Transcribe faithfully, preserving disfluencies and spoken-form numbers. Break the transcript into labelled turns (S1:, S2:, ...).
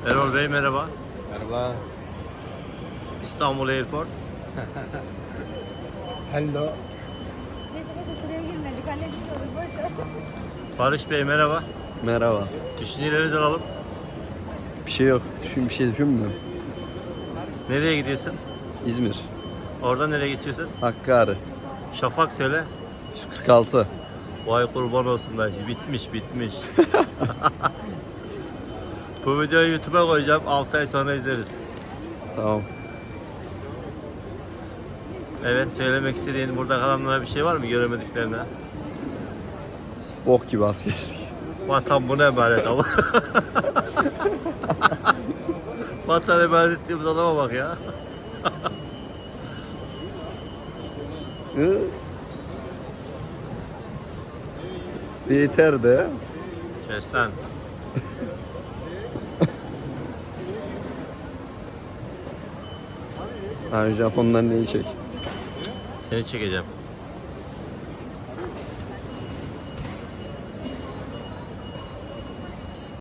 S1: Erol Bey merhaba.
S2: Merhaba.
S1: İstanbul Airport.
S2: Hello.
S3: Neyse bak sıraya girmedik. Hallediyoruz. Boş ver.
S1: Barış Bey merhaba.
S2: Merhaba.
S1: Düşüncelerinizi alalım.
S2: Bir şey yok. Düşün bir şey düşünmüyorum.
S1: Nereye gidiyorsun?
S2: İzmir.
S1: Oradan nereye geçiyorsun?
S2: Hakkari.
S1: Şafak söyle.
S2: yüz kırk altı.
S1: Vay kurban olsun da bitmiş bitmiş. Bu videoyu YouTube'a koyacağım. altı ay sonra izleriz.
S2: Tamam.
S1: Evet, söylemek istediğin burada kalanlara bir şey var mı göremediklerine?
S2: Bok gibi askerlik.
S1: Vatan buna emanet ama. Vatan emanet ettiğimiz adama bak ya.
S2: Hı? Yeter de.
S1: Kes lan.
S2: Ha, Japonlar neyi çek?
S1: Seni çekeceğim.